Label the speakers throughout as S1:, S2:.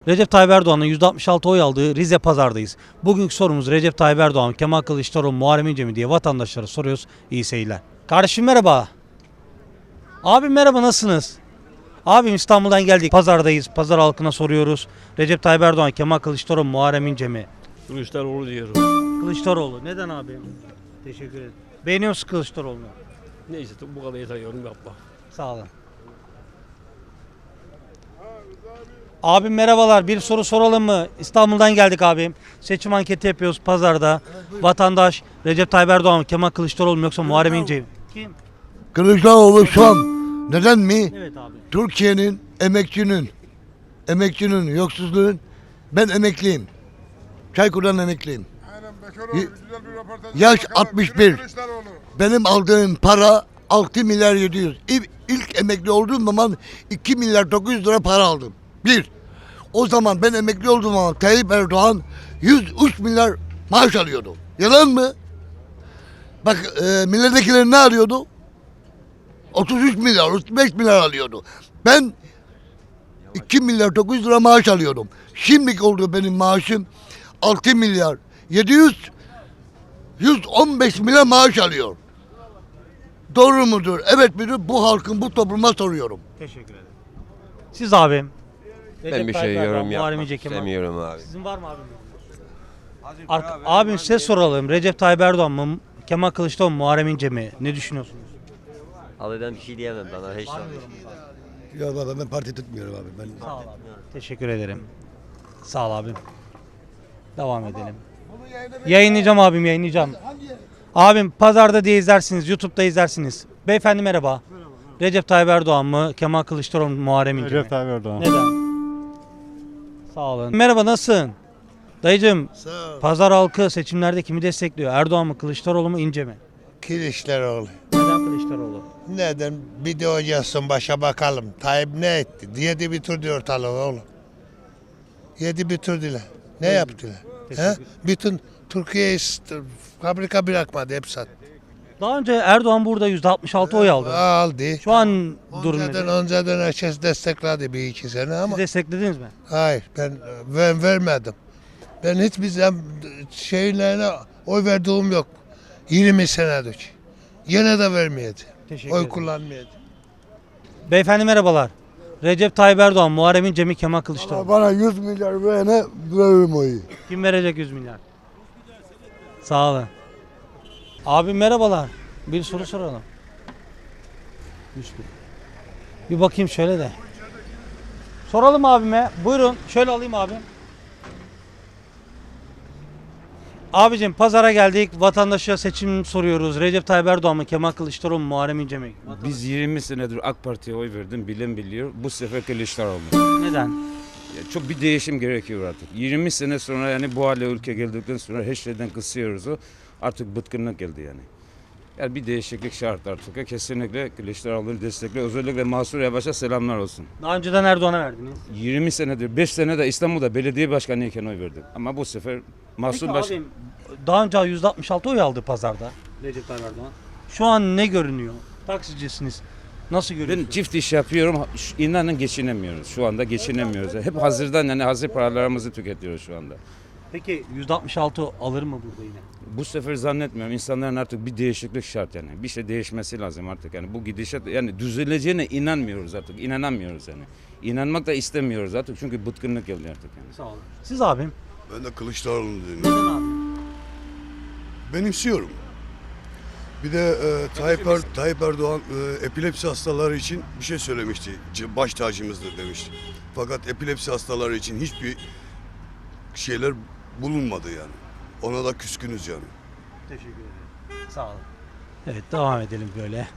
S1: Recep Tayyip Erdoğan'ın %66 oy aldığı Rize Pazar'dayız. Bugünkü sorumuz Recep Tayyip Erdoğan, Kemal Kılıçdaroğlu, Muharrem İnce mi diye vatandaşlara soruyoruz. İyi seyirler. Kardeşim merhaba. Abim merhaba, nasılsınız? Abim İstanbul'dan geldik. Pazardayız. Pazar halkına soruyoruz. Recep Tayyip Erdoğan, Kemal Kılıçdaroğlu, Muharrem İnce mi?
S2: Kılıçdaroğlu diyorum.
S1: Kılıçdaroğlu. Neden abi? Teşekkür ederim. Beğeniyor musun Kılıçdaroğlu'nu?
S2: Neyse bu kadar yeter, yorum yapma.
S1: Sağ olun. Abim merhabalar. Bir soru soralım mı? İstanbul'dan geldik abim. Seçim anketi yapıyoruz pazarda. Vatandaş Recep Tayyip Erdoğan mı, Kemal Kılıçdaroğlu mu yoksa Muharrem İnce mi? Kim?
S3: Kılıçdaroğlu şu an neden mi?
S1: Evet abi.
S3: Türkiye'nin emekçinin, yoksulluğun, ben emekliyim. Çaykur'dan emekliyim.
S4: Aynen Bekeroğlu, güzel bir röportaj.
S3: Yaş
S4: Bakalım,
S3: 61.
S4: Kılıçdaroğlu.
S3: Benim aldığım para 6 milyar 700. İlk emekli olduğum zaman 2 milyar 900 lira para aldım. Bir. O zaman ben emekli olduğum zaman Tayyip Erdoğan 103 milyar maaş alıyordu. Yalan mı? Bak milletvekilleri ne alıyordu? 33 milyar, 35 milyar alıyordu. Ben 2 milyar 900 lira maaş alıyordum. Şimdiki oldu benim maaşım 6 milyar 115 milyar maaş alıyor. Doğru mudur? Evet midir? Bu halkın, bu topluma soruyorum.
S1: Teşekkür ederim. Siz abim.
S5: Ben bir
S1: Tayyip
S5: şey
S1: Erdoğan,
S5: yorum
S1: Muharrem
S5: yapmak
S1: İnce, Kemal.
S5: istemiyorum abi.
S1: Sizin var mı abim? Abim size soralım. Recep Tayyip Erdoğan mı, Kemal Kılıçdaroğlu mu, Muharrem İnce mi? Ne düşünüyorsunuz?
S5: Abi ben bir şey diyemem bana hiç.
S3: Ya baba ben parti tutmuyorum abi. Ben
S1: Sağ ol abi. Teşekkür ederim. Sağ ol abim. Devam edelim. Yayınlayacağım abim, yayınlayacağım. Abim pazarda diye izlersiniz, YouTube'da izlersiniz. Beyefendi merhaba. Recep Tayyip Erdoğan mı, Kemal Kılıçdaroğlu mu, Muharrem İnce mi?
S6: Recep Tayyip Erdoğan.
S1: Neden? Sağ olun. Merhaba, nasılsın? Dayıcım, pazar halkı seçimlerde kimi destekliyor? Erdoğan mı, Kılıçdaroğlu mu, İnce mi?
S7: Kılıçdaroğlu.
S1: Neden Kılıçdaroğlu?
S7: Neden? Bir de oynasın başa bakalım. Tayyip ne etti? Yedi bitirdi ortalığı oğlum. Yedi bitirdiler. Ne yaptılar? He? Bütün Türkiye'yi fabrika bırakmadı, hep sattı.
S1: Daha önce Erdoğan burada %66 oy aldı.
S7: Aldı.
S1: Şu an durum
S7: Önceden,
S1: nedir?
S7: önceden herkes destekledi bir iki sene ama.
S1: Siz desteklediniz mi?
S7: Hayır, ben vermedim. Ben hiçbir zaman şeylerine oy verdiğim yok. 20 senedir. Yine de vermeyedi.
S1: Teşekkür
S7: Oy
S1: ederim.
S7: kullanmaydı.
S1: Beyefendi merhabalar. Recep Tayyip Erdoğan, Muharrem İnce mi, Kemal Kılıçdaroğlu?
S3: bana 100 milyar verene veririm oyu.
S1: Kim verecek 100 milyar? Sağ olun. Abi merhabalar. Bir soru soralım. 100 bin. Bir bakayım şöyle de. Soralım abime. Buyurun. Şöyle alayım abim. Abicim pazara geldik. Vatandaşa seçim soruyoruz. Recep Tayyip Erdoğan mı, Kemal Kılıçdaroğlu mu, Muharrem İnce mi?
S8: Biz 20 senedir AK Parti'ye oy verdim, bilen biliyor. Bu sefer Kılıçdaroğlu.
S1: Neden?
S8: Ya çok bir değişim gerekiyor artık. 20 sene sonra yani bu hale ülke geldikten sonra her şeyden kısıyoruz o. Artık bıtkınlık geldi yani. Yani bir değişiklik şart artık. Kesinlikle Kılıçdaroğlu'nu destekle. Özellikle Mansur Yavaş'a selamlar olsun.
S1: Daha önceden Erdoğan'a verdiniz.
S8: 20 senedir, 5 sene de İstanbul'da belediye başkanı iken oy verdim. Ama bu sefer Mansur
S1: Peki
S8: Baş...
S1: abim, daha önce %66 oy aldı pazarda Recep Tayyip Erdoğan. Şu an ne görünüyor? Taksicisiniz. Nasıl
S8: Ben
S1: görüyorsunuz?
S8: çift iş yapıyorum. İnanın geçinemiyoruz. Şu anda geçinemiyoruz. Hep hazırdan yani hazır paralarımızı tüketiyoruz şu anda.
S1: Peki %66 alır mı burada yine?
S8: Bu sefer zannetmiyorum. İnsanların artık bir değişiklik şart yani. Bir şey değişmesi lazım artık yani. Bu gidişat yani düzeleceğine inanmıyoruz artık. İnanamıyoruz yani. İnanmak da istemiyoruz artık çünkü bıtkınlık geldi artık yani.
S1: Sağ olun. Siz abim?
S4: Ben de Kılıçdaroğlu'nu
S1: Neden
S4: dinliyorum.
S1: abi?
S4: Benimsiyorum. Bir de Tayyip Erdoğan epilepsi hastaları için bir şey söylemişti. Baş tacımızdır demişti. Fakat epilepsi hastaları için hiçbir şeyler bulunmadı yani. Ona da küskünüz yani.
S1: Teşekkür ederim. Sağ olun. Evet devam edelim böyle.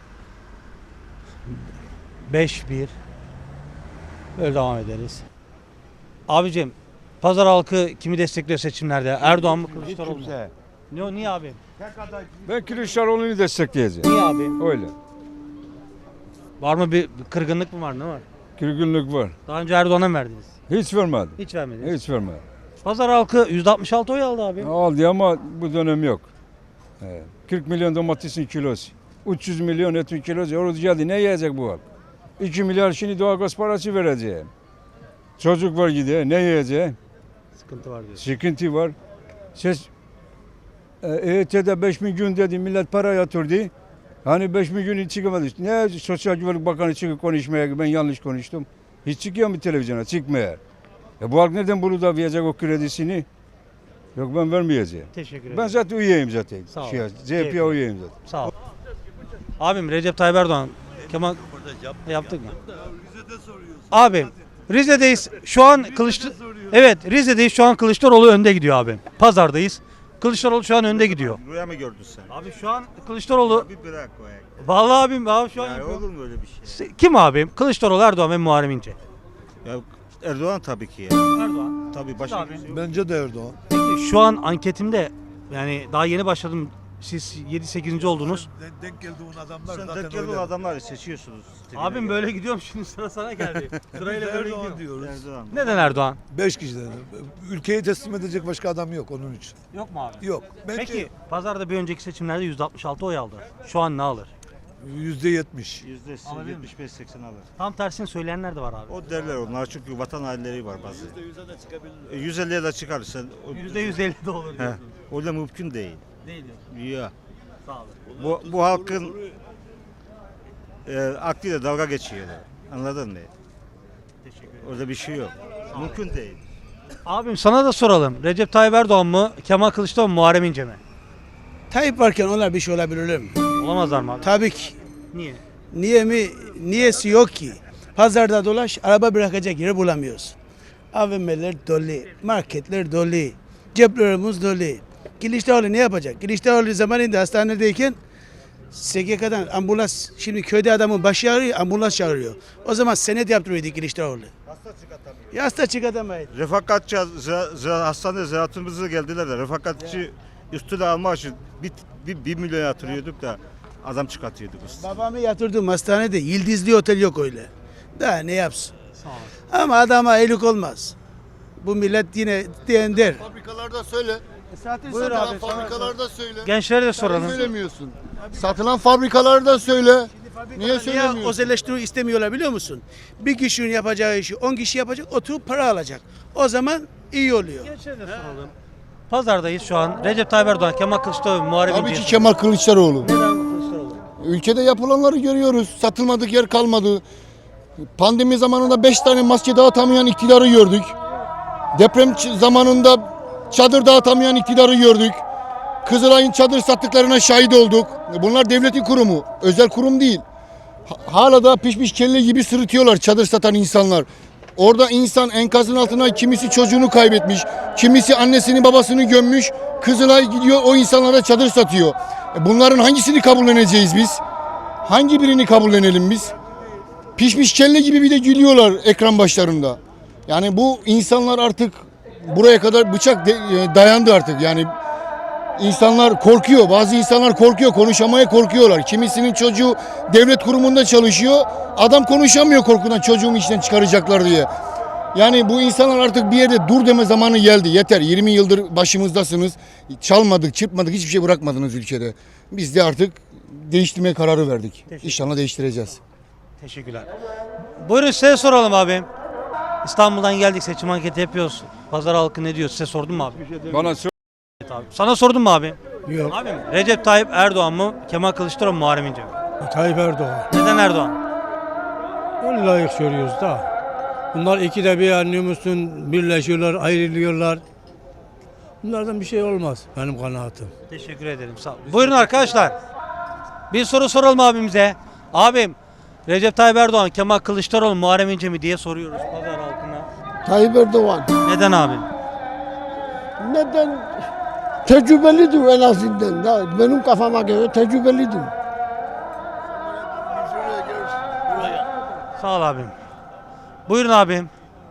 S1: 5-1. Böyle devam ederiz. Abicim pazar halkı kimi destekliyor seçimlerde? Erdoğan mı, Kılıçdaroğlu mu? Niye abi?
S6: Ben Kılıçdaroğlu'nu destekleyeceğim.
S1: Niye abi?
S6: Öyle.
S1: Var mı bir kırgınlık mı var, ne var?
S6: Kırgınlık var.
S1: Daha önce Erdoğan'a mı verdiniz?
S6: Hiç vermedi.
S1: Hiç vermediniz.
S6: Hiç vermedi.
S1: Pazar halkı %66 oy aldı abi.
S6: Aldı ama bu dönem yok. 40 milyon domatesin kilosu. 300 milyon etin kilosu. Orada geldi. Ne yiyecek bu halk? 2 milyar şimdi doğalgaz parası vereceğim. Çocuk var gidiyor. Ne yiyecek?
S1: Sıkıntı var diyorsun.
S6: Sıkıntı var. Siz EYT'de 5000 gün dedi millet para yatırdı. Hani 5000 gün hiç çıkamadı. Ne Sosyal Güvenlik Bakanı çıkıp konuşmaya ben yanlış konuştum. Hiç çıkıyor mu televizyona? Çıkmıyor. Bu halk nereden bunu da verecek o kredisini? Yok ben vermeyeceğim.
S1: Teşekkür ederim.
S6: Ben zaten üyeyim zaten.
S1: Sağ ol.
S6: CHP'ye üyeyim zaten.
S1: Sağ ol. Abim Recep Tayyip Erdoğan, Kemal yaptık mı? Abim Rize'deyiz. Şu an Evet, Rize'deyiz. Şu an Kılıçdaroğlu önde gidiyor abim. Pazardayız. Kılıçdaroğlu şu an önde gidiyor.
S9: Rüya mı gördün sen?
S1: Abi şu an Kılıçdaroğlu
S9: Bir bırak o ayak.
S1: vallahi abim abi şu an
S9: Ya
S1: yapıyor.
S9: olur mu öyle bir şey?
S1: Kim abim? Kılıçdaroğlu, Erdoğan ve Muharrem İnce.
S9: Ya Erdoğan tabii ki ya.
S1: Erdoğan.
S9: Tabii başka
S1: Abi.
S9: kimse yok.
S3: Bence de Erdoğan.
S1: Peki şu an anketimde yani daha yeni başladım. Siz 7-8. oldunuz.
S3: Denk geldiğin adamlar
S9: Sen denk geldiğin adamları seçiyorsunuz.
S1: Abim böyle gidiyorum şimdi sıra sana geldi. Sırayla böyle gidiyorum.
S3: diyoruz.
S9: Erdoğan.
S1: Neden Erdoğan?
S3: 5 kişiden. Ülkeyi teslim edecek başka adam yok onun için.
S1: Yok mu abi?
S3: Yok. Bence
S1: Peki pazarda bir önceki seçimlerde %66 oy aldı. Şu an ne alır?
S3: %70.
S9: %75-80 alır.
S1: Tam tersini söyleyenler de var abi.
S9: O derler onlar çünkü vatan hainleri var bazı. %150'ye de çıkar sen.
S1: %150 de olur
S9: He,
S1: diyorsun.
S9: o da mümkün değil.
S1: Değil diyorsun.
S9: Ya.
S1: Sağ olun.
S9: Bu halkın aklıyla dalga geçiyorlar. Anladın mı?
S1: Teşekkür ederim.
S9: Orada bir şey yok. Mümkün değil.
S1: Abim sana da soralım. Recep Tayyip Erdoğan mı, Kemal Kılıçdaroğlu mu, Muharrem İnce mi?
S10: Tayyip varken onlar bir şey olabilir mi?
S1: Olamazlar mı abi?
S10: Tabii ki.
S1: Niye?
S10: Niye mi? Niyesi yok ki. Pazarda dolaş, araba bırakacak yeri bulamıyoruz. AVM'ler dolu, marketler dolu, ceplerimiz dolu. Kılıçdaroğlu ne yapacak? Kılıçdaroğlu zamanında hastanedeyken SGK'dan ambulans, şimdi köyde adamın başı ağrıyor, ambulans çağırıyor. O zaman senet yaptırıyordu Kılıçdaroğlu. Hasta çıkartamayız.
S9: Refakatçi hastanede ziyaretimize geldiler de refakatçi üstüne almak için bir milyon yatırıyorduk da adam çıkartıyorduk üstüne.
S10: Babamı yatırdım hastanede, yıldızlı otel yok öyle. Daha ne yapsın?
S1: Sağ olun.
S10: Ama adama iyilik olmaz. Bu millet yine diyen der.
S3: Fabrikalarda söyle.
S1: Buyur abi.
S3: Fabrikalarda söyle.
S1: Gençlere de soralım.
S3: Söylemiyorsun. Satılan fabrikalarda söyle. Niye söylemiyorsun?
S10: Niye özelleştirme istemiyorlar biliyor musun? Bir kişinin yapacağı işi 10 kişi yapacak, oturup para alacak. O zaman iyi oluyor.
S1: Gençlere de soralım. Pazardayız şu an. Recep Tayyip Erdoğan, Kemal Kılıçdaroğlu, Muharrem
S3: Tabii
S1: İnce.
S3: ki Kemal Kılıçdaroğlu.
S1: Neden Kılıçdaroğlu?
S3: Ülkede yapılanları görüyoruz. Satılmadık yer kalmadı. Pandemi zamanında 5 tane maske dağıtamayan iktidarı gördük. Deprem zamanında çadır dağıtamayan iktidarı gördük. Kızılay'ın çadır sattıklarına şahit olduk. Bunlar devletin kurumu, özel kurum değil. Hala da pişmiş kelle gibi sırıtıyorlar çadır satan insanlar. Orada insan enkazın altına kimisi çocuğunu kaybetmiş, kimisi annesini babasını gömmüş. Kızılay gidiyor o insanlara çadır satıyor. Bunların hangisini kabulleneceğiz biz? Hangi birini kabullenelim biz? Pişmiş kelle gibi bir de gülüyorlar ekran başlarında. Yani bu insanlar artık buraya kadar bıçak dayandı artık. Yani insanlar korkuyor. Bazı insanlar korkuyor. Konuşamaya korkuyorlar. Kimisinin çocuğu devlet kurumunda çalışıyor. Adam konuşamıyor korkudan çocuğumu işten çıkaracaklar diye. Yani bu insanlar artık bir yerde dur deme zamanı geldi. Yeter. 20 yıldır başımızdasınız. Çalmadık, çırpmadık. Hiçbir şey bırakmadınız ülkede. Biz de artık değiştirmeye kararı verdik. İnşallah değiştireceğiz.
S1: Teşekkürler. Buyurun size soralım abim. İstanbul'dan geldik, seçim anketi yapıyoruz. Pazar halkı ne diyor? Size sordum mu abi?
S6: Bana sor.
S1: Evet abi. Sana sordum mu abi?
S10: Yok.
S1: Abim Recep Tayyip Erdoğan mı? Kemal Kılıçdaroğlu mu? Muharrem İnce mi?
S10: Tayyip Erdoğan.
S1: Neden Erdoğan?
S10: Öyle layık söylüyoruz da. Bunlar ikide bir anlıyor musun? Birleşiyorlar, ayrılıyorlar. Bunlardan bir şey olmaz benim kanaatim.
S1: Teşekkür ederim. Sağ olun. Buyurun arkadaşlar. Bir soru soralım abimize. Abim Recep Tayyip Erdoğan, Kemal Kılıçdaroğlu, Muharrem İnce mi diye soruyoruz pazar halkına.
S3: Tayyip Erdoğan.
S1: Neden abim?
S3: Neden? Tecrübelidir en azından. Da benim kafama göre tecrübelidir.
S1: Sağ ol abim. Buyurun abim.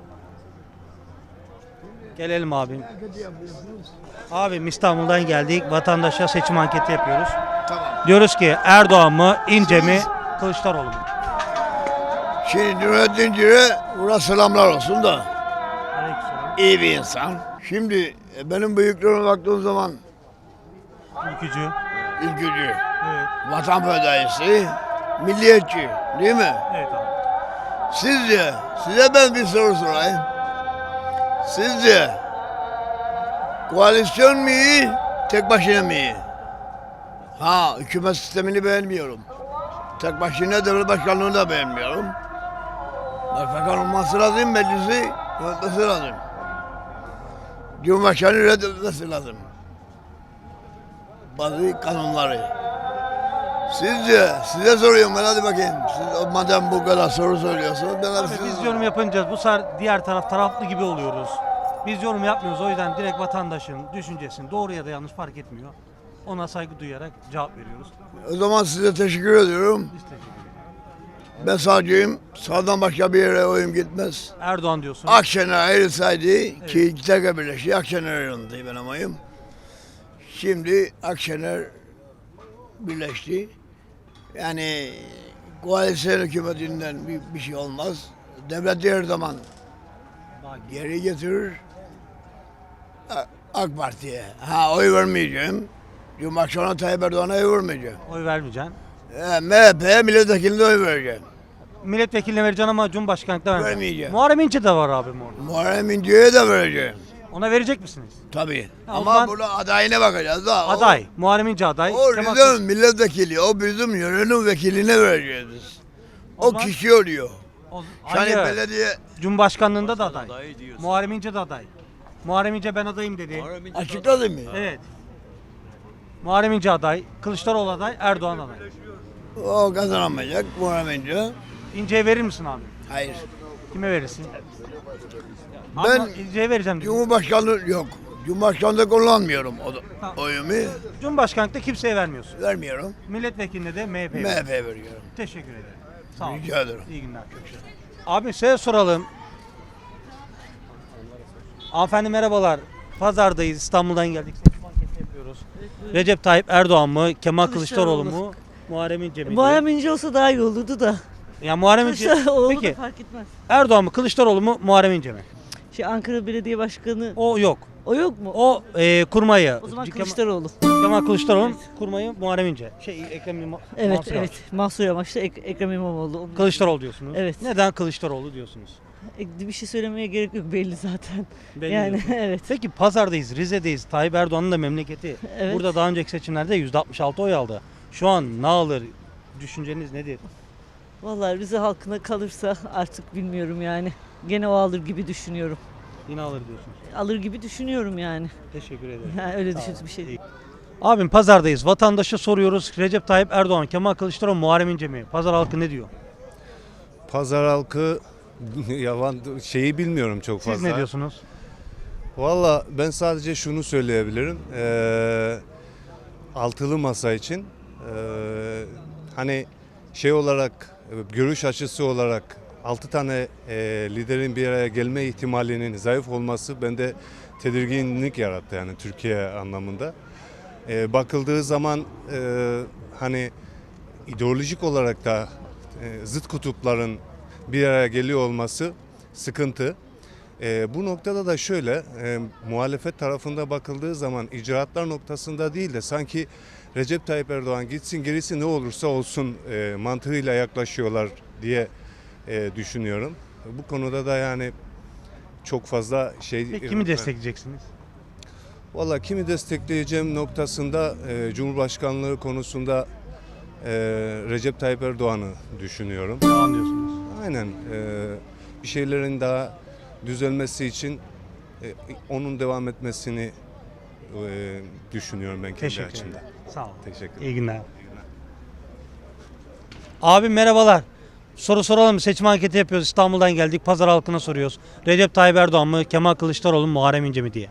S1: Gelelim abim. Abim İstanbul'dan geldik. Vatandaşa seçim anketi yapıyoruz. Diyoruz ki Erdoğan mı, İnce mi, Kılıçdaroğlu mu?
S3: Şimdi Nurettin Cire, buna selamlar olsun da.
S1: Aleykümselam.
S3: İyi bir insan. Şimdi benim büyüklerime baktığım zaman
S1: Ülkücü.
S3: ülkücü,
S1: Evet.
S3: vatan fedaisi, milliyetçi değil mi?
S1: Evet abi.
S3: Sizce, size ben bir soru sorayım. Sizce koalisyon mu iyi, tek başına mı iyi? Ha, hükümet sistemini beğenmiyorum. Tek başına devlet başkanlığını da beğenmiyorum. Başbakan olması lazım, meclisi yönetmesi lazım. Cumhurbaşkanı reddetmesi lazım. Bazı kanunları. Sizce, size soruyorum ben, hadi bakayım. Siz madem bu kadar soru söylüyorsunuz, ben
S1: Abi biz yorum yapınca bu sefer diğer taraflı gibi oluyoruz. Biz yorum yapmıyoruz, o yüzden direkt vatandaşın düşüncesini doğru ya da yanlış fark etmiyor. Ona saygı duyarak cevap veriyoruz.
S3: O zaman size teşekkür ediyorum.
S1: Biz teşekkür ederiz.
S3: Ben sağcıyım. Sağdan başka bir yere oyum gitmez.
S1: Erdoğan diyorsun.
S3: Akşener ayrılsaydı ki iki tekrar birleşti. Akşener ayrıldı benim oyum. Şimdi Akşener birleşti. Yani koalisyon hükümetinden bir şey olmaz. Devlet her zaman geri getirir. AK Parti'ye. Ha, oy vermeyeceğim. Cumhurbaşkanı Tayyip Erdoğan'a oy vermeyeceğim.
S1: Oy vermeyeceksin.
S3: MHP'ye milletvekiline oy vereceğim.
S1: Milletvekiline vereceksin ama Cumhurbaşkanlıkta vermeyeceksin.
S3: Vermeyeceğim.
S1: Muharrem İnce de var abi orada.
S3: Muharrem İnce'ye de vereceğim.
S1: Ona verecek misiniz?
S3: Tabii.
S1: Ha, o
S3: Ama
S1: zaman-
S3: burada adayına bakacağız da.
S1: Aday. Muharrem İnce aday.
S3: O
S1: Kemal
S3: bizim milletvekili, o bizim yörenin vekiline vereceğiz biz.
S1: O
S3: O
S1: zaman-
S3: kişi oluyor.
S1: O-
S3: Yani
S1: Hayır.
S3: belediye
S1: Cumhurbaşkanlığında da aday. Muharrem İnce de aday. Muharrem İnce ben adayım dedi.
S3: açıkladı mı?
S1: Evet. Muharrem İnce aday, Kılıçdaroğlu aday, Erdoğan aday.
S3: O kazanamayacak Muharrem İnce.
S1: İnce'ye verir misin abi?
S3: Hayır.
S1: Kime verirsin?
S3: Ben
S1: Ama İnce'ye vereceğim. Dedi.
S3: Cumhurbaşkanlığı yok. Cumhurbaşkanlığı kullanmıyorum
S1: Ha.
S3: oyumu.
S1: Cumhurbaşkanlıkta kimseye vermiyorsun.
S3: Vermiyorum.
S1: Milletvekiline de MHP'ye.
S3: MHP'ye veriyorum.
S1: Teşekkür ederim. Sağ ol.
S3: Rica ederim.
S1: İyi günler. Abi size soralım. Hanımefendi merhabalar. Pazardayız. İstanbul'dan geldik. Seçim anketi yapıyoruz. Recep Tayyip Erdoğan mı? Kemal Kılıçdaroğlu mu? Muharrem İnce mi?
S11: Muharrem İnce olsa daha iyi olurdu da.
S1: Ya Muharrem İnce.
S11: Kılıçdaroğlu da
S1: Peki
S11: fark etmez.
S1: Erdoğan mı? Kılıçdaroğlu mu? Muharrem İnce mi?
S11: Ankara Belediye Başkanı
S1: O yok.
S11: o yok mu?
S1: O kurmayı.
S11: O zaman
S1: Kemal-
S11: Kılıçdaroğlu.
S1: Kemal Kılıçdaroğlu kurmayı Muharrem İnce. Ekrem
S11: Evet
S1: Mansur Yavaş.
S11: evet. Mansur Yavaş'ta Ekrem İmamoğlu. Onun-
S1: Kılıçdaroğlu diyorsunuz.
S11: Evet.
S1: Neden Kılıçdaroğlu diyorsunuz?
S11: Bir şey söylemeye gerek yok belli zaten.
S1: Belli
S11: yani
S1: diyorsunuz.
S11: evet.
S1: Peki pazardayız, Rize'deyiz. Tayyip Erdoğan'ın da memleketi.
S11: Evet.
S1: Burada daha önceki seçimlerde %66 oy aldı. Şu an ne alır? Düşünceniz nedir?
S11: Vallahi Rize halkına kalırsa artık bilmiyorum yani. Gene o alır gibi düşünüyorum.
S1: Yine alır diyorsunuz.
S11: Alır gibi düşünüyorum yani.
S1: Teşekkür ederim.
S11: Yani öyle düşün bir şey.
S1: İyi. Abim pazardayız. Vatandaşa soruyoruz. Recep Tayyip Erdoğan, Kemal Kılıçdaroğlu, Muharrem İnce mi? Pazar halkı ne diyor?
S12: Pazar halkı yavan şeyi bilmiyorum çok fazla.
S1: Siz ne diyorsunuz?
S12: Valla ben sadece şunu söyleyebilirim. Altılı masa için hani şey olarak görüş açısı olarak 6 tane liderin bir araya gelme ihtimalinin zayıf olması bende tedirginlik yarattı yani Türkiye anlamında. Bakıldığı zaman hani ideolojik olarak da zıt kutupların bir araya geliyor olması sıkıntı. Bu noktada da şöyle muhalefet tarafında bakıldığı zaman icraatlar noktasında değil de sanki Recep Tayyip Erdoğan gitsin gerisi ne olursa olsun mantığıyla yaklaşıyorlar diye düşünüyorum. Bu konuda da yani çok fazla şey...
S1: Peki kimi destekleyeceksiniz?
S12: Valla kimi destekleyeceğim noktasında Cumhurbaşkanlığı konusunda Recep Tayyip Erdoğan'ı düşünüyorum.
S1: Devam diyorsunuz.
S12: Aynen bir şeylerin daha düzelmesi için onun devam etmesini düşünüyorum ben kendi
S1: Teşekkür
S12: açımdan.
S1: ederim. Sağ olun.
S12: Teşekkür ederim.
S1: İyi günler. Abi merhabalar. Soru soralım. Seçim anketi yapıyoruz. İstanbul'dan geldik. Pazar halkına soruyoruz. Recep Tayyip Erdoğan mı? Kemal Kılıçdaroğlu mu? Muharrem İnce mi diye.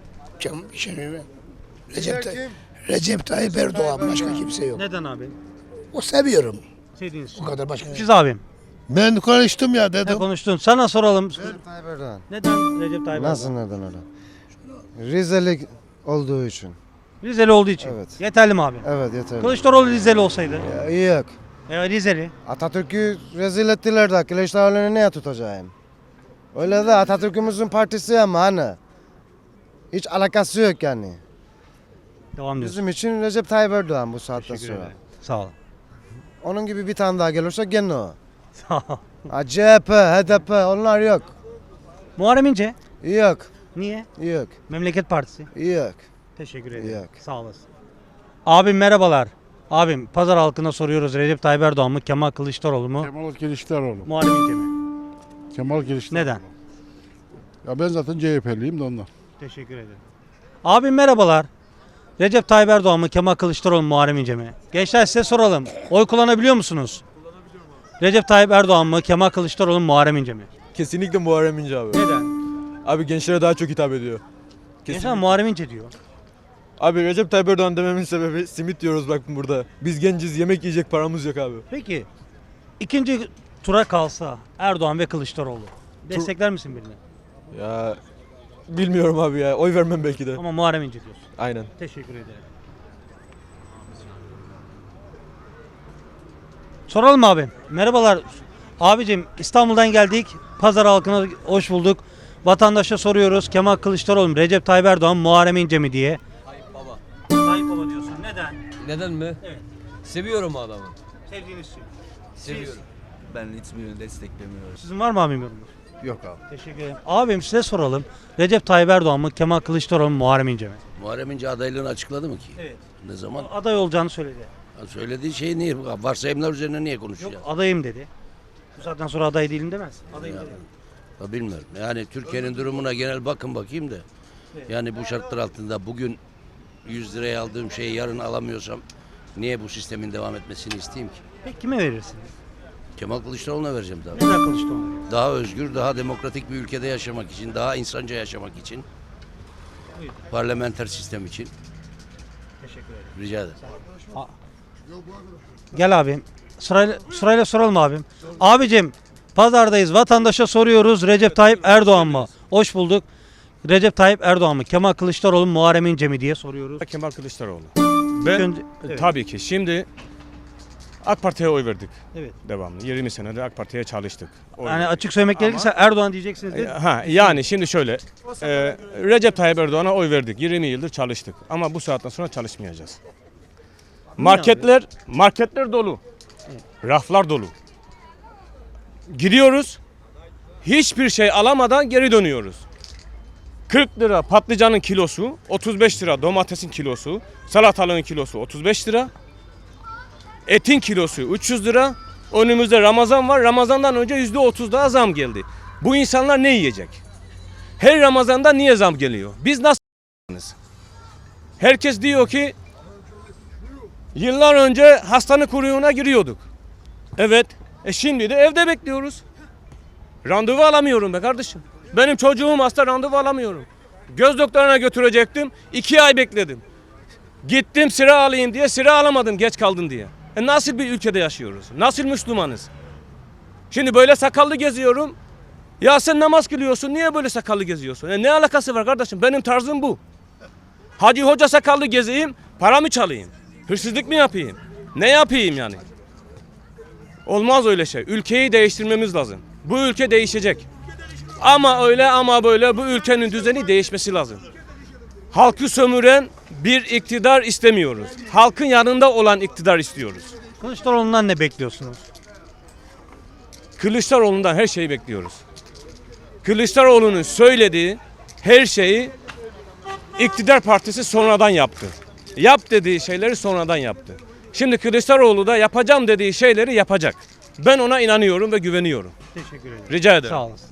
S3: Recep Tayyip Erdoğan, başka kimse yok.
S1: Neden abi?
S3: O seviyorum.
S1: Sevdiğiniz için.
S3: O kadar başka.
S1: Siz abim.
S7: Ben konuştum ya
S1: Ne
S7: dedim.
S1: konuştun? Sana soralım.
S13: Tayyip Erdoğan.
S1: Neden Recep Tayyip
S13: Nasıl
S1: Erdoğan?
S13: neden öyle? Rizeli olduğu için.
S1: Rizeli olduğu için.
S13: Evet.
S1: Yeterli mi abi?
S13: Evet yeterli.
S1: Kılıçdaroğlu Rizeli olsaydı.
S13: Yok.
S1: Rizeli.
S13: Atatürk'ü rezil ettiler de Kılıçdaroğlu'nu neye tutacağım? Öyle de Atatürk'ümüzün partisi ama hani. Hiç alakası yok yani.
S1: Devam diyorsun.
S13: Bizim için Recep Tayyip Erdoğan bu saatten
S1: Teşekkür
S13: sonra.
S1: ederim. Sağ olun.
S13: Onun gibi bir tane daha gelirse gene o.
S1: Sağ ol.
S13: Ha, CHP, HDP onlar yok.
S1: Muharrem İnce.
S13: Yok.
S1: Niye?
S13: Yok.
S1: Memleket Partisi.
S13: Yok.
S1: Teşekkür ederim.
S13: Yok.
S1: Sağ olasın. Abim merhabalar. Abim pazar halkına soruyoruz. Recep Tayyip Erdoğan mı, Kemal Kılıçdaroğlu mu,
S6: Kemal Kılıçdaroğlu.
S1: Muharrem İnce mi?
S6: Kemal Kılıçdaroğlu.
S1: Neden?
S6: Ya ben zaten CHP'liyim de ondan.
S1: Teşekkür ederim. Abim merhabalar. Recep Tayyip Erdoğan mı, Kemal Kılıçdaroğlu mu, Muharrem İnce mi? Gençler size soralım. Oy kullanabiliyor musunuz? Recep Tayyip Erdoğan mı, Kemal Kılıçdaroğlu mu, Muharrem İnce mi?
S14: Kesinlikle Muharrem İnce abi.
S1: Neden?
S14: Abi gençlere daha çok hitap ediyor.
S1: Gençler Muharrem İnce diyor.
S14: Abi Recep Tayyip Erdoğan dememin sebebi simit diyoruz bak burada. Biz genciz, yemek yiyecek paramız yok abi.
S1: Peki ikinci tura kalsa Erdoğan ve Kılıçdaroğlu destekler misin birini?
S14: Ya bilmiyorum abi ya. Oy vermem belki de.
S1: Ama Muharrem İnce diyorsun.
S14: Aynen.
S1: Teşekkür ederim. Soralım abim. Merhabalar. Abicim İstanbul'dan geldik. Pazar halkına hoş bulduk. Vatandaşa soruyoruz. Kemal Kılıçdaroğlu mu, Recep Tayyip Erdoğan mı, Muharrem İnce mi diye.
S2: Tayyip Baba.
S1: Tayyip Baba diyorsun. Neden?
S2: Neden mi?
S1: Evet.
S2: Seviyorum o adamı.
S1: Sevdiğiniz için.
S2: Seviyorum.
S14: Ben hiçbirini desteklemiyorum.
S1: Sizin var mı abim yorumunuz?
S14: Yok abi.
S1: Teşekkür ederim. Abim size soralım. Recep Tayyip Erdoğan mı, Kemal Kılıçdaroğlu mu, Muharrem İnce mi?
S2: Muharrem İnce adaylığını açıkladı mı ki?
S1: Evet.
S2: Ne zaman?
S1: Aday olacağını söyledi.
S2: Söylediği şey niye? Varsayımlar üzerine niye konuşuyor?
S1: Yok adayım dedi. Bu saatten sonra aday değilim demez. Adayım dedi.
S2: Ya bilmiyorum. Yani Türkiye'nin durumuna genel bakayım da. Yani bu şartlar altında bugün 100 liraya aldığım şeyi yarın alamıyorsam niye bu sistemin devam etmesini isteyeyim ki?
S1: Peki kime verirsiniz?
S2: Kemal Kılıçdaroğlu'na vereceğim tabii.
S1: Neden Kılıçdaroğlu?
S2: Daha özgür, daha demokratik bir ülkede yaşamak için, daha insanca yaşamak için, parlamenter sistem için.
S1: Teşekkür ederim.
S2: Rica ederim.
S1: Gel abim. Sırayla soralım abim. Abicim pazardayız. Vatandaşa soruyoruz. Recep Tayyip Erdoğan mı? Hoş bulduk. Recep Tayyip Erdoğan mı? Kemal Kılıçdaroğlu mu? Muharrem İnce mi diye soruyoruz.
S6: Kemal Kılıçdaroğlu.
S1: İlk önce- evet.
S6: Tabii ki. Şimdi AK Parti'ye oy verdik.
S1: Evet.
S6: Devamlı. 20 senedir AK Parti'ye çalıştık.
S1: Yani açık söylemek gerekirse Erdoğan diyeceksiniz değil mi?
S6: Yani şimdi şöyle. Recep Tayyip Erdoğan'a oy verdik. 20 yıldır çalıştık. Ama bu saatten sonra çalışmayacağız. Marketler dolu. Raflar dolu. Gidiyoruz. Hiçbir şey alamadan geri dönüyoruz. 40 lira patlıcanın kilosu, 35 lira domatesin kilosu, salatalığın kilosu 35 lira. Etin kilosu 300 lira. Önümüzde Ramazan var. Ramazandan önce %30 daha zam geldi. Bu insanlar ne yiyecek? Her Ramazan'da niye zam geliyor? Biz nasıl? Herkes diyor ki yıllar önce hastane kuyruğuna giriyorduk. Evet. Şimdi de evde bekliyoruz. Randevu alamıyorum be kardeşim. Benim çocuğum hasta, randevu alamıyorum. Göz doktoruna götürecektim. 2 ay bekledim. Gittim sıra alayım diye sıra alamadım geç kaldın diye. Nasıl bir ülkede yaşıyoruz? Nasıl Müslümanız? Şimdi böyle sakallı geziyorum. Ya sen namaz kılıyorsun, niye böyle sakallı geziyorsun? Ne alakası var kardeşim? Benim tarzım bu. Hacı hoca sakallı gezeyim, para mı çalayım? Hırsızlık mı yapayım? Ne yapayım yani? Olmaz öyle şey. Ülkeyi değiştirmemiz lazım. Bu ülke değişecek. Ama öyle ama böyle bu ülkenin düzeni değişmesi lazım. Halkı sömüren bir iktidar istemiyoruz. Halkın yanında olan iktidar istiyoruz.
S1: Kılıçdaroğlu'ndan ne bekliyorsunuz?
S6: Kılıçdaroğlu'ndan her şeyi bekliyoruz. Kılıçdaroğlu'nun söylediği her şeyi iktidar partisi sonradan yaptı. Yap dediği şeyleri sonradan yaptı. Şimdi Kılıçdaroğlu da yapacağım dediği şeyleri yapacak. Ben ona inanıyorum ve güveniyorum.
S1: Teşekkür ederim.
S6: Rica ederim.
S1: Sağ olasın.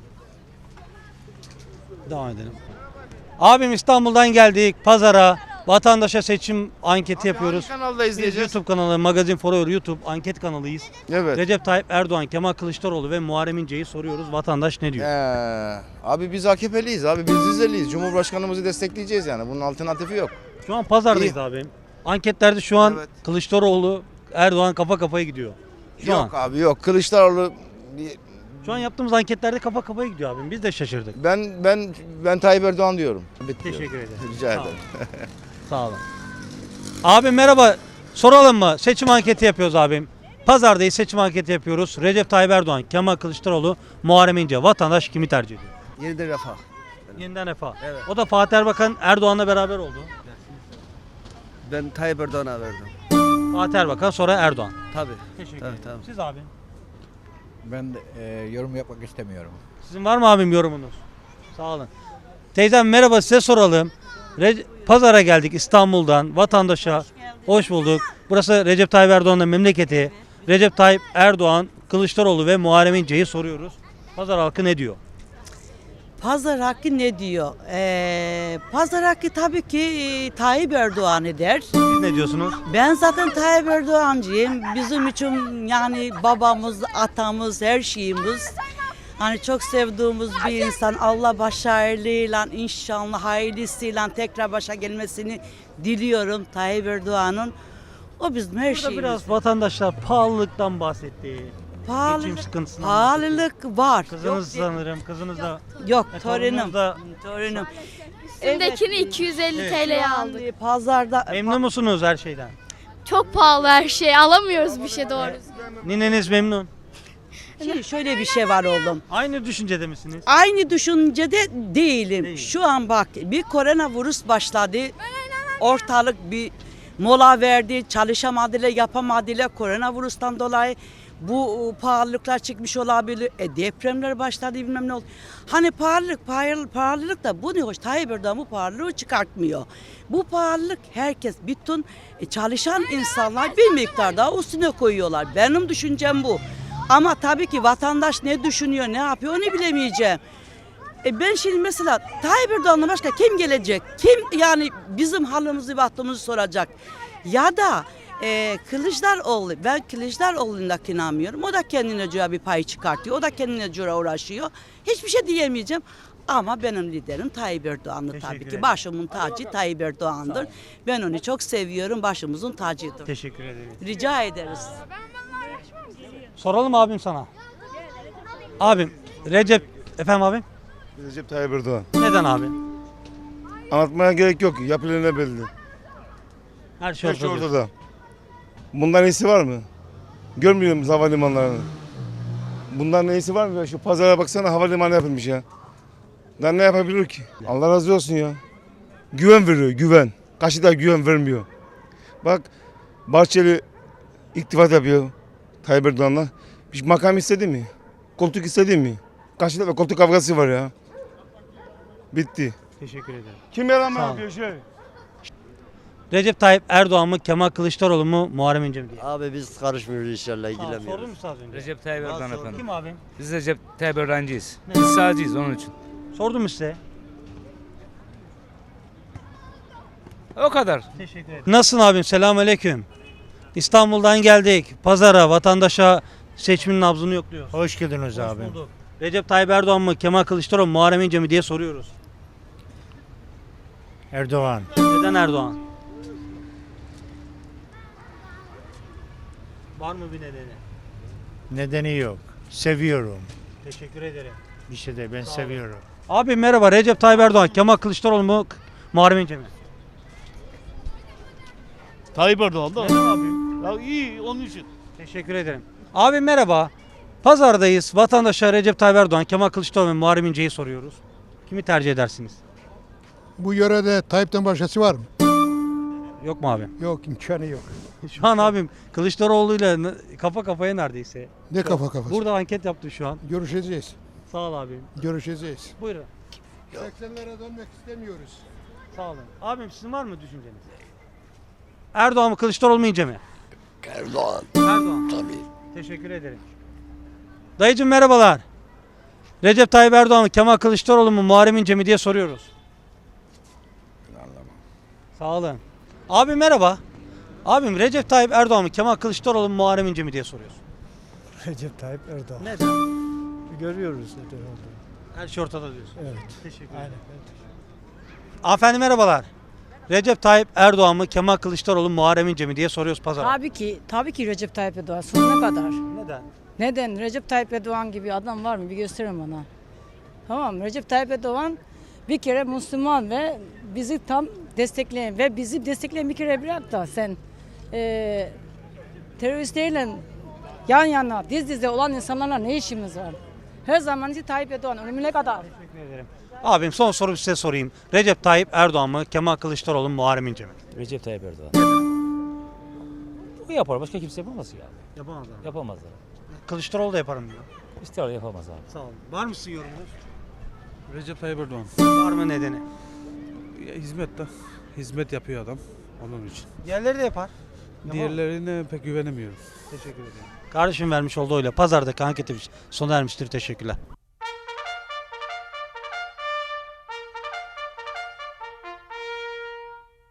S1: Devam edelim. Abim İstanbul'dan geldik pazara. Vatandaşa seçim anketi yapıyoruz.
S13: Kanalda
S1: Biz YouTube kanalı Magazin Forever YouTube anket kanalıyız.
S13: Evet.
S1: Recep Tayyip Erdoğan, Kemal Kılıçdaroğlu ve Muharrem İnce'yi soruyoruz. Vatandaş ne diyor?
S13: Abi biz AKP'liyiz abi. Biz Rizeliyiz. Cumhurbaşkanımızı destekleyeceğiz yani. Bunun alternatifi yok.
S1: Şu an pazardayız abim. Anketlerde şu an
S13: Evet.
S1: Kılıçdaroğlu, Erdoğan kafa kafaya gidiyor. Şu
S13: yok
S1: an.
S13: abi yok. Kılıçdaroğlu
S1: Şu an yaptığımız anketlerde kafa kafaya gidiyor abim. Biz de şaşırdık.
S13: ben Tayyip Erdoğan diyorum.
S1: Teşekkür ederim.
S13: Rica
S1: Sağ olun.
S13: ederim.
S1: Sağ olun. Abim merhaba. Soralım mı? Seçim anketi yapıyoruz abim. Pazardayız, seçim anketi yapıyoruz. Recep Tayyip Erdoğan, Kemal Kılıçdaroğlu, Muharrem İnce. Vatandaş kimi tercih ediyor?
S13: Yeniden Refah.
S1: Yeniden Refah.
S13: Evet.
S1: O da Fatih Erbakan Erdoğan'la beraber oldu.
S13: Ben Tayyip Erdoğan'a verdim.
S1: Fatih Erbakan sonra Erdoğan.
S13: Tabii.
S1: Teşekkür
S13: Evet,
S1: ederim.
S13: tamam.
S1: Siz abi.
S14: Ben yorum yapmak istemiyorum.
S1: Sizin var mı abim yorumunuz? Sağ olun. Teyzem merhaba, size soralım. Pazara geldik İstanbul'dan vatandaşa. Hoş bulduk. Burası Recep Tayyip Erdoğan'ın memleketi. Recep Tayyip Erdoğan, Kılıçdaroğlu ve Muharrem İnce'yi soruyoruz. Pazar halkı ne diyor?
S11: Pazar hakkı ne diyor? Pazar hakkı tabii ki Tayyip Erdoğan'ı der.
S1: Siz ne diyorsunuz?
S11: Ben zaten Tayyip Erdoğancıyım. Bizim için yani babamız, atamız, her şeyimiz. Hani çok sevdiğimiz bir insan. Allah başarılıyla, inşallah hayırlısıyla tekrar başa gelmesini diliyorum Tayyip Erdoğan'ın. O bizim her
S1: Burada
S11: şeyimiz.
S1: biraz vatandaşlar pahalılıktan bahsetti. Geçim sıkıntısından
S11: Pahalılık var.
S1: Kızınız sanırım, kızınız da.
S11: Yok,
S1: torununuz
S11: torunum.
S1: da.
S11: Torunum.
S15: Üstündekini 250 TL'ye aldık.
S11: Yani pazarda
S1: Memnun musunuz her şeyden?
S15: Çok pahalı her şey. Alamıyoruz bir şey doğru.
S1: Nineniz memnun.
S11: şöyle bir şey var oğlum.
S1: Aynı düşüncede misiniz?
S11: Aynı düşüncede değilim. Şu an bak bir koronavirüs başladı. Ortalık bir mola verdi. Çalışamadılar, yapamadılar koronavirüsten dolayı. Bu pahalılıklar çıkmış olabilir. Depremler başladı bilmem ne oldu. Hani pahalılık da bu ne hoş. Tayyip Erdoğan bu pahalılığı çıkartmıyor. Bu pahalılık herkes bütün çalışan insanlar bir miktar daha üstüne koyuyorlar. Benim düşüncem bu. Ama tabii ki vatandaş ne düşünüyor, ne yapıyor onu bilemeyeceğim. Ben şimdi mesela Tayyip Erdoğan'la başka kim gelecek? Kim yani bizim halimizi bahtımızı soracak? Ya da Kılıçdaroğlu, ben Kılıçdaroğlu'na inanmıyorum. O da kendine göre bir pay çıkartıyor. O da kendine göre uğraşıyor. Hiçbir şey diyemeyeceğim. Ama benim liderim Tayyip Erdoğan'dır tabii ki.
S1: ederim.
S11: Başımın tacı Tayyip Erdoğan'dır. Ben onu çok seviyorum. Başımızın tacıdır.
S1: Teşekkür ederim.
S11: Rica ederiz.
S1: Soralım abim sana. Abim, efendim abim?
S9: Recep Tayyip Erdoğan.
S1: Neden abi?
S9: Anlatmaya gerek yok. Yapılan belli.
S1: Her şey
S9: Her şey
S1: ortada.
S9: ortada. Bundan iyisi var mı? Görmüyor musun havalimanlarını? Bundan iyisi var mı? Şu pazara baksana, havalimanı yapılmış ya. Daha ne yapabilir ki? Allah razı olsun ya. Güven veriyor, güven. Karşıda güven vermiyor. Bak Bahçeli iktifat yapıyor Tayyip Erdoğan'la. Bir makam istedi mi? Koltuk istedi mi? Karşıda koltuk kavgası var ya. Bitti.
S1: Teşekkür ederim.
S9: Kim yalan
S1: Sağ ol.
S9: yapıyor şey?
S1: Recep Tayyip Erdoğan mı, Kemal Kılıçdaroğlu mu, Muharrem İnce mi diye.
S5: Abi biz karışmıyoruz inşallah,
S1: Sordun
S5: ilgilenmiyoruz.
S1: mu siz az önce?
S8: Recep Tayyip Erdoğan efendim.
S1: Kim abim?
S8: Biz Recep Tayyip Erdoğancıyız.
S1: Ne?
S8: Biz sağcıyız onun için.
S1: Sordum mu size?
S8: O kadar.
S1: Teşekkür ederim. Nasılsın abim? Selamünaleyküm. İstanbul'dan geldik. Pazara, vatandaşa seçmenin nabzını yokluyoruz.
S10: Hoş geldiniz
S1: Hoş bulduk. Recep Tayyip Erdoğan mı, Kemal Kılıçdaroğlu mu, Muharrem İnce mi diye soruyoruz.
S10: Erdoğan.
S1: Neden Erdoğan? Var mı bir nedeni?
S10: Nedeni yok. Seviyorum.
S1: Teşekkür ederim.
S10: Bir şey de ben
S1: olun.
S10: seviyorum.
S1: Abi merhaba, Recep Tayyip Erdoğan, Kemal Kılıçdaroğlu mu, Muharrem İnce mi?
S10: Tayyip Erdoğan
S1: Neden abi?
S10: Ya iyi onun için.
S1: Teşekkür ederim. Abi merhaba. Pazardayız. Vatandaşa Recep Tayyip Erdoğan, Kemal Kılıçdaroğlu ve Muharrem İnce'yi soruyoruz. Kimi tercih edersiniz?
S6: Bu yörede Tayyip'ten başkası var mı?
S1: Yok mu abi?
S6: Yok, imkanı yok.
S1: Şu an abim Kılıçdaroğlu'yla kafa kafaya neredeyse.
S6: Ne kafa kafası?
S1: Burada anket yaptı şu an.
S6: Görüşeceğiz.
S1: Sağ ol abim.
S6: Görüşeceğiz.
S1: Buyurun.
S6: 80'lere dönmek istemiyoruz.
S1: Sağ olun. Abim sizin var mı düşünceniz? Erdoğan mı, Kılıçdaroğlu mu, İnce mi?
S2: Erdoğan.
S1: Erdoğan.
S2: Tabii.
S1: Teşekkür ederim. Dayıcım merhabalar. Recep Tayyip Erdoğan mı, Kemal Kılıçdaroğlu mu, Muharrem İnce mi diye soruyoruz. Sağ olun. Abi merhaba. Abim Recep Tayyip Erdoğan mı, Kemal Kılıçdaroğlu mu, Muharrem İnce mi diye soruyoruz.
S10: Recep Tayyip Erdoğan.
S1: Neden?
S10: Görüyoruz neden olduğunu.
S1: Her şey ortada diyorsun.
S10: Evet.
S1: Teşekkür ederim.
S10: Aynen.
S1: Hanımefendi merhabalar. Recep Tayyip Erdoğan mı, Kemal Kılıçdaroğlu mu, Muharrem İnce mi diye soruyoruz pazara.
S15: Tabii ki Recep Tayyip Erdoğan. Sonuna kadar.
S1: Neden?
S15: Neden? Recep Tayyip Erdoğan gibi adam var mı? Bir gösterin bana. Tamam, Recep Tayyip Erdoğan bir kere Müslüman ve bizi tam destekleyen ve bizi destekleyen bir kere bırak da sen teröristlerle yan yana, diz dize olan insanlarla ne işimiz var? Her zaman için Tayyip Erdoğan ölümüne kadar.
S1: Teşekkür ederim. Abim son soru size sorayım. Recep Tayyip Erdoğan mı, Kemal Kılıçdaroğlu mu, Muharrem İnce mi?
S5: Recep Tayyip Erdoğan. Bu yapar, başka kimse yapamaz ya.
S1: Yapamazlar.
S5: Yapamazlar.
S1: Kılıçdaroğlu da yaparım diyor.
S5: İstiyor yapamaz abi.
S1: Sağ olun. Var mı sizin yorumunuz?
S14: Recep Tayyip Erdoğan.
S1: Var mı nedeni?
S14: Hizmet yapıyor adam. Onun için.
S1: Diğerleri de yapar.
S14: Diğerlerine pek güvenemiyorum.
S1: Teşekkür ederim. Kardeşim vermiş olduğu oyla pazardaki anketimiz sona ermiştir. Teşekkürler.